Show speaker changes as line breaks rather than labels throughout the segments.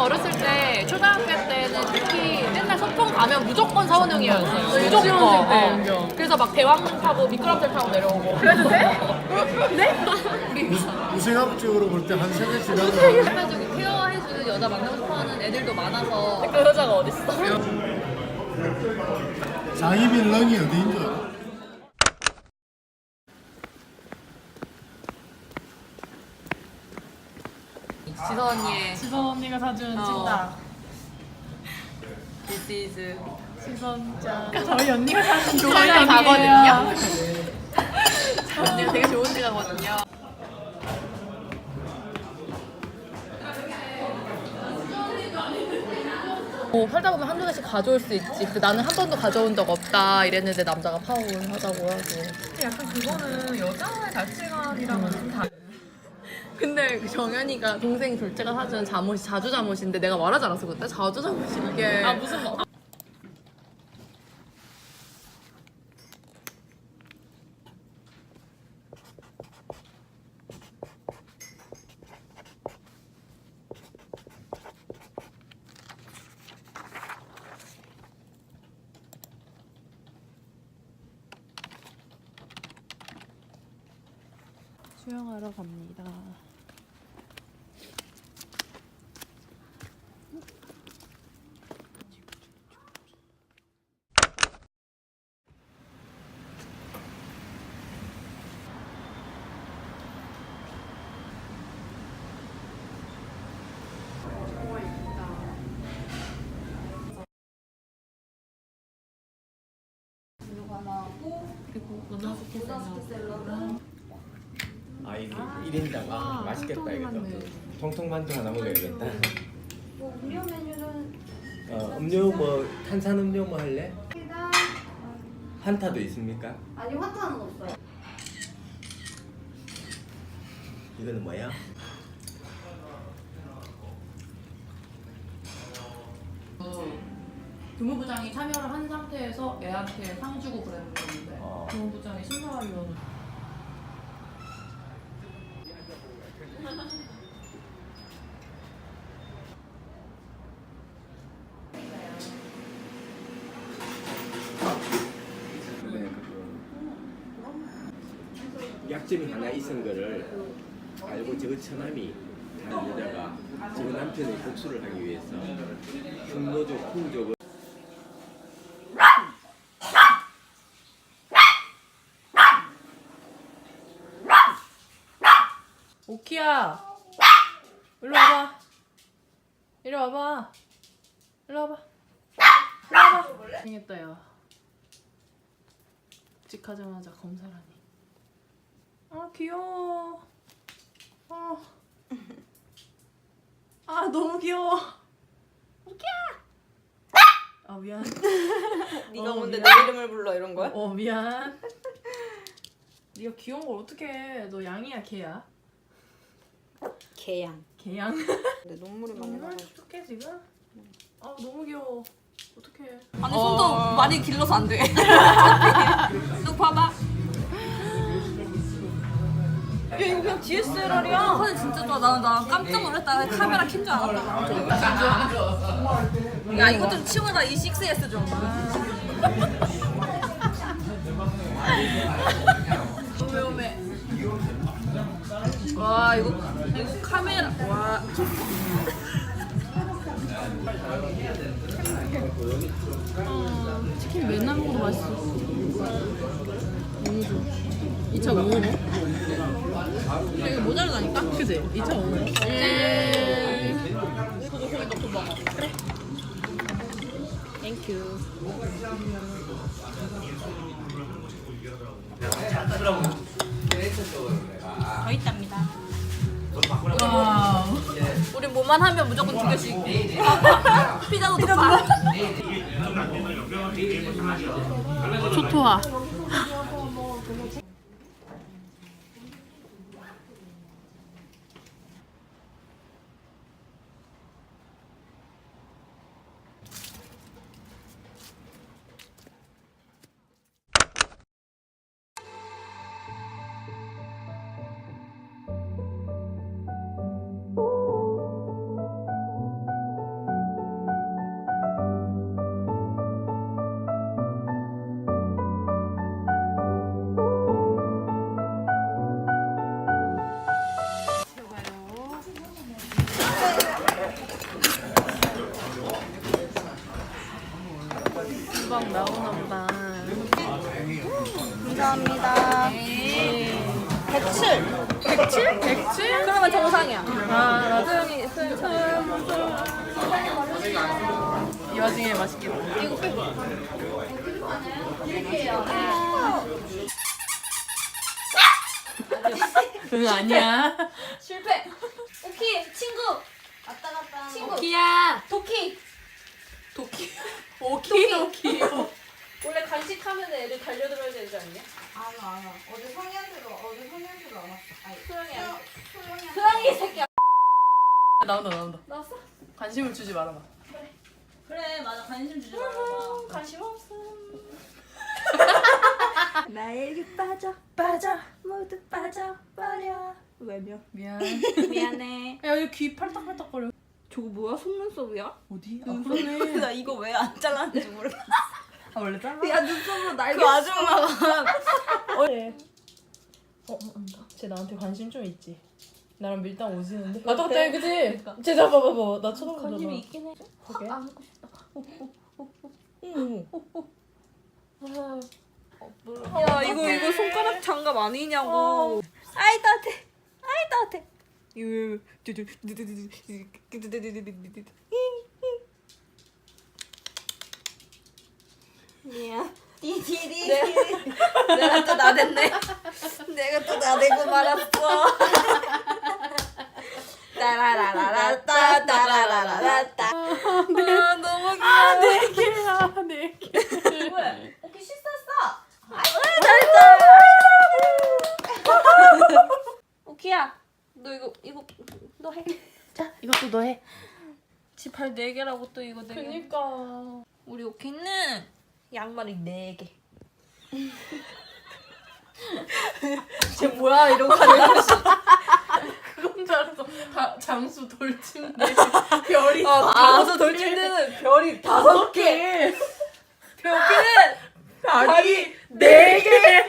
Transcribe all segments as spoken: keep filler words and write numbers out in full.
어렸을 때 초등학교 때는 특히 맨날 소풍 가면 무조건 사원형이었어요. 무조건.
때
어. 그래서 막 대왕릉 타고 미끄럼틀 타고 내려오고. 그래도 돼? 네?
우생학적으로 볼 때 한 세대 지나면
해가지고 케어해주는 여자 만나고 싶어하는 애들도 많아서.
그 여자가 어딨어?
장희빈 렁이 어디인 줄 알아?
지선 언니의
지선 언니가 사준
어.
찐따.
This is
지선짱. 저희 언니가 사준
저희랑
찐따이에요.
가거든요. 언니가 되게 좋은 데 가거든요. 뭐 살다 보면 한두 개씩 가져올 수 있지. 근데 나는 한 번도 가져온 적 없다 이랬는데 남자가 파혼을 하자고 하고.
약간 그거는 여자의 가치관이랑은 좀 다른.
근데 그 정연이가 동생 둘째가 사준 잠옷이 자주 잠옷인데 내가 말하지 않았어 그때? 자주 잠옷이 이게
아 무슨 뭐?
수영하러 갑니다.
아, 이게 일 인당 아, 맛있겠다 이거. 통통만두 하나 먹어야겠다.
뭐 음료 메뉴는
어, 음료 뭐 탄산 음료 뭐 할래?
일단
한타도 있습니까?
아니 화타는 없어요.
이거는 뭐야?
교무부장이 참여를 한 상태에서 애한테 상 주고 그랬는 건데
어.
교무부장이 심사위원을
약점이 하나 있은 거를 알고 저거 처남이 다른 여자가 저거 남편의 복수를 하기 위해서 흉노조 풍족을
오키야. 일로 와봐. 이리 와봐. 일로 와봐. 일로 와봐. 생겼다 야. 직하자마자 검사라니. 아 귀여워. 아. 아 너무 귀여워. 오키야. 아 미안.
네가
어,
뭔데 내
미안.
이름을 불러 이런 거야?
어 미안. 네가 귀여운 걸 어떻게 해? 너 양이야 개야?
개양.
개양.
근데 눈물이 많이
정말
나가지고.
촉촉해 지금? 아 너무 귀여워. 어떡해.
아니 손도 많이 길러서 안 돼. 너 봐봐. 야 이거 그냥 디에스엘알이야. 사진 진짜 좋아. 나는 나 깜짝 놀랐다. 카메라 켠 줄 알았다. 야 이거 좀 치워. 나 이 식스 에스 좀. 오메 오메. 와 이거 이거 카메라 와.
치킨 맨날 먹어도 맛있어. 너무 좋아. 이 차 뭐 먹어?
이거 모자르다니까?
그지? 이 차 뭐 먹어?
예.
땡큐.
더 있답니다.
와우.
우리 뭐만 하면 무조건 두 개씩. 피자도 두 판.
초토화.
백칠? 백칠? 그러면 정상이야. 하나, 둘, 셋,
이 와중에 맛있겠다.
이거 빼.
응 아니야.
실패. 오키 친구.
왔다 갔다.
친구.
키야.
도키.
도키. 오키 오키.
원래 간식하면 애들 달려들어야 되지 않냐?
안와 안와. 어제 성현이도 어제 성현이도 안 왔어. 아니
소영이 안 돼.
소영이
소영이 이 새끼야.
나온다 나온다.
나왔어?
관심을 주지 말아봐.
그래 맞아 관심 주지 말아봐.
관심 없음.
나에게 빠져 빠져 모두 빠져버려. 왜며?
미안.
미안해.
야 여기 귀 팔딱팔딱거려.
저거 뭐야? 속눈썹이야?
어디? 아 그러네.
나 이거 왜 안 잘랐는지 모르겠어.
아 원래 잘라?
야 눈썹으로 날개. 그 아줌마가.
어, 어, 안다. 쟤 나한테 관심 좀 있지. 나랑 밀당 오지는데. 나 똑같아, 그지? 쟤 봐봐, 봐봐. 나 쳐다보잖아.
관심이 있긴 해.
그게?
아, 안고 싶다.
응.
야 이거 이거 손가락 장갑 아니냐고. 아이 따뜻해. 아이 따뜻해. 이거 미안. 디디디. 내가 또 나댔네. 내가 또 나대고 말았어. 따라라라라따 따라라라라따. 아 너무 귀여워.
네 개야, 네 개.
왜? 오케이 씻었어. 오키야, 너 이거 이거 너 해.
자, 이것도 너 해.
지발 네 개라고 또 이거 네 개.
그니까.
우리 오키는 양말이 네 개.
쟤 뭐야, 이러고 가는 거지. 그건 줄 알았어. 다, 장수 돌침대. 별이.
아, 다섯 돌침대는 별이 다섯 개. 오키는
다리 네 개.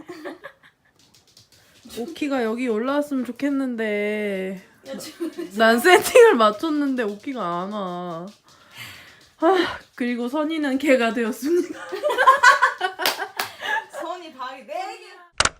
오키가 여기 올라왔으면 좋겠는데 난 세팅을 맞췄는데 오키가 안 와. 아, 그리고 선이는 개가 되었습니다.
선이 방이 네 개.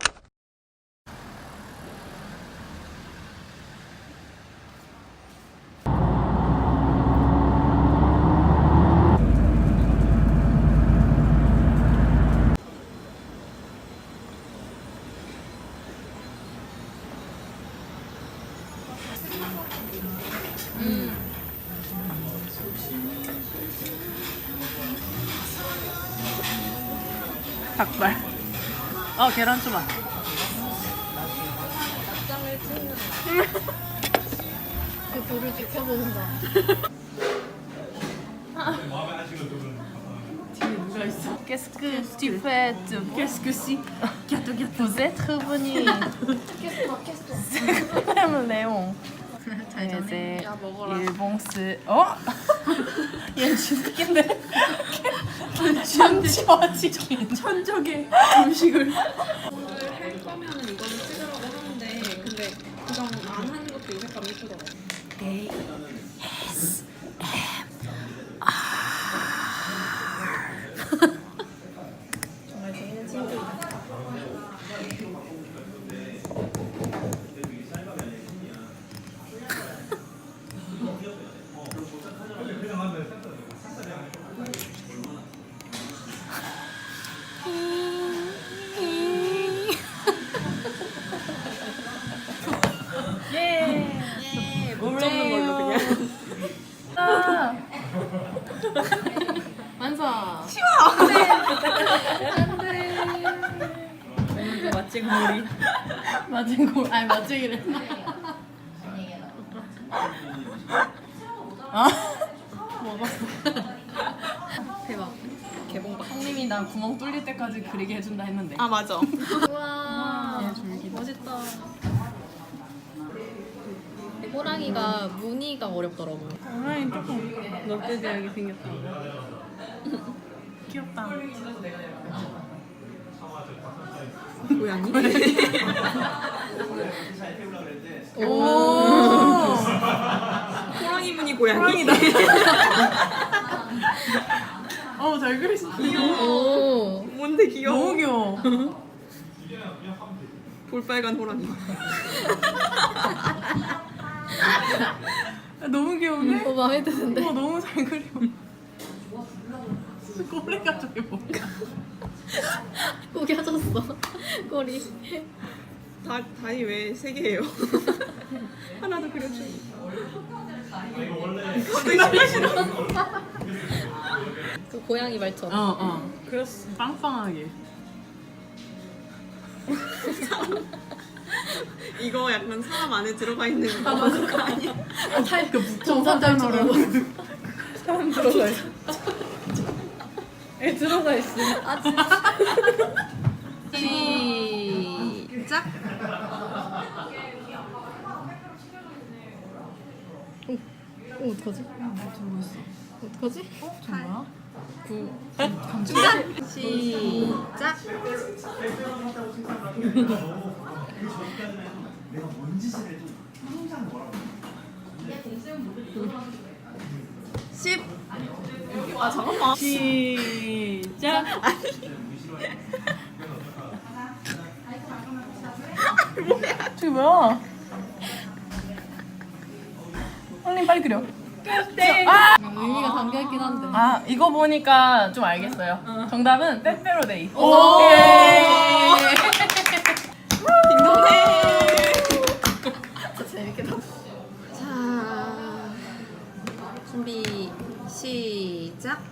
닭발. 어, 계란 초밥.
그 돌을 지켜본다.
뒤에 누가 있어? Qu'est-ce que tu fais? Qu'est-ce que si? Vous êtes revenu. C'est quand même Léon. 이제
야 먹어라.
일봉스. 어? 얘 주식인데. 천적이 천적의 음식을.
할 거면은 이거는 찍으라고 하는데 근데 그냥 안 하는 것도 요새감 예쁘더라고. 정말 재밌는 친구이다.
못 접는 걸로 그냥.
완성.
맛쟁 머리. 맛쟁 고 아니 맛쟁이래. 아 먹었어.
대박. 개봉박.
형님이 나 구멍 뚫릴 때까지 그리게 해준다 했는데.
아 맞아.
우와.
얘 줄기.
멋있다. 호랑이가 무늬가 어렵더라고.
호랑이 조금 롯데지하게 생겼다. 귀엽다.
고양이?
오.
호랑이 무늬 고양이.
어우 잘 그리시. 귀여워.
오.
뭔데 귀여워.
너무 귀여워.
볼빨간 호랑이.
귀여운데?
어 마음에 드는데.
어 너무 잘 그려. 꼬리가 저게 뭔가.
구겨졌어. 꼬리.
다, 다리 왜 세 개예요? 하나 더 그려줘.
그 고양이 말처럼.
어 어. 그렸어. 빵빵하게.
이거 약간 사람 안에 들어가 있는 거 맞아. 아니야?
그
정상들처럼. 사람 들어가 있어. 애 들어가 있어.
시작.
어 어떡하지? 어떡하지?
뭐야?
시작. 십. 아 잠깐만.
시작.
뭐야?
저게 뭐야? 형님 빨리 그려.
의미가 담겨있긴 한데.
아 이거 보니까 좀 알겠어요. 정답은 빼빼로데이.
오! 진짜 재밌겠다.
자, 준비 시작.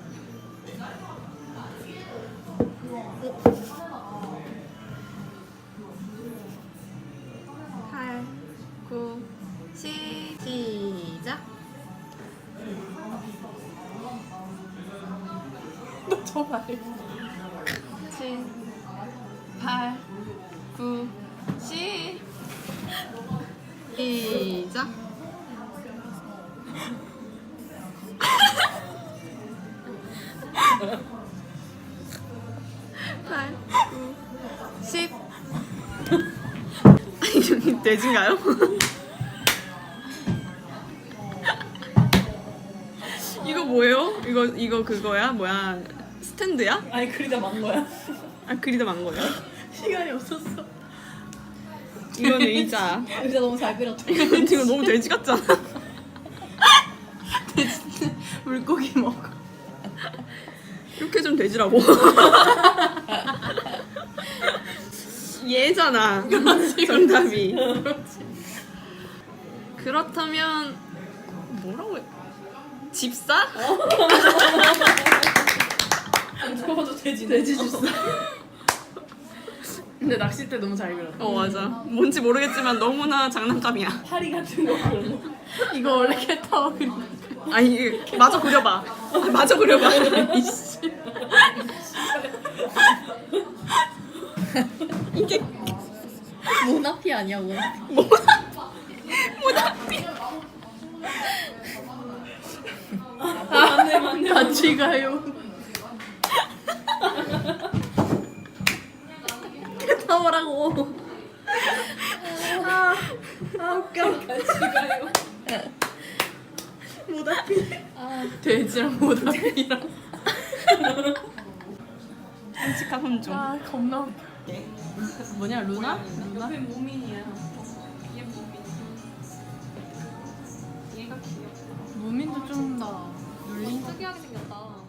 팔, 구, 십, 시작.
저 말.
칠, 팔, 구, 십. 시작. 팔, 구, 십. 아니 저기 돼지인가요? 이거 뭐예요? 이거 이거 그거야? 뭐야? 스탠드야?
아니 그리다 만 거야.
아 그리다 만 거예요?
시간이 없었어.
이건 의자.
의자 너무 잘 그렸다.
이건 지금 너무 돼지 같잖아.
물고기 먹어.
이렇게 좀 돼지라고. 얘잖아. 정답이. 그렇다면 뭐라고 해? 집사?
죽어도 돼지. 돼지 주스. 근데 낚싯대 너무 잘 그렸다.
어 맞아. 뭔지 모르겠지만 너무나 장난감이야.
파리 같은 거 그런 거. 이거 원래 캣타워 그린 거.
아니 마저 그려봐. 아, 마저 그려봐. 이씨. 이게
모나피 아니야 모나피.
모나피.
맞네 맞네. 같이 가요.
타워라고.
아, 아 웃겨.
같이 가요.
모나피.
돼지랑 모나피랑.
끔찍한 혼종.
아 겁나 웃겨. 뭐냐 루나? 루나?
옆에 무민이야. 얘 무민. 얘가 귀여워.
무민도 좀 나.
눈 특이하게 생겼다.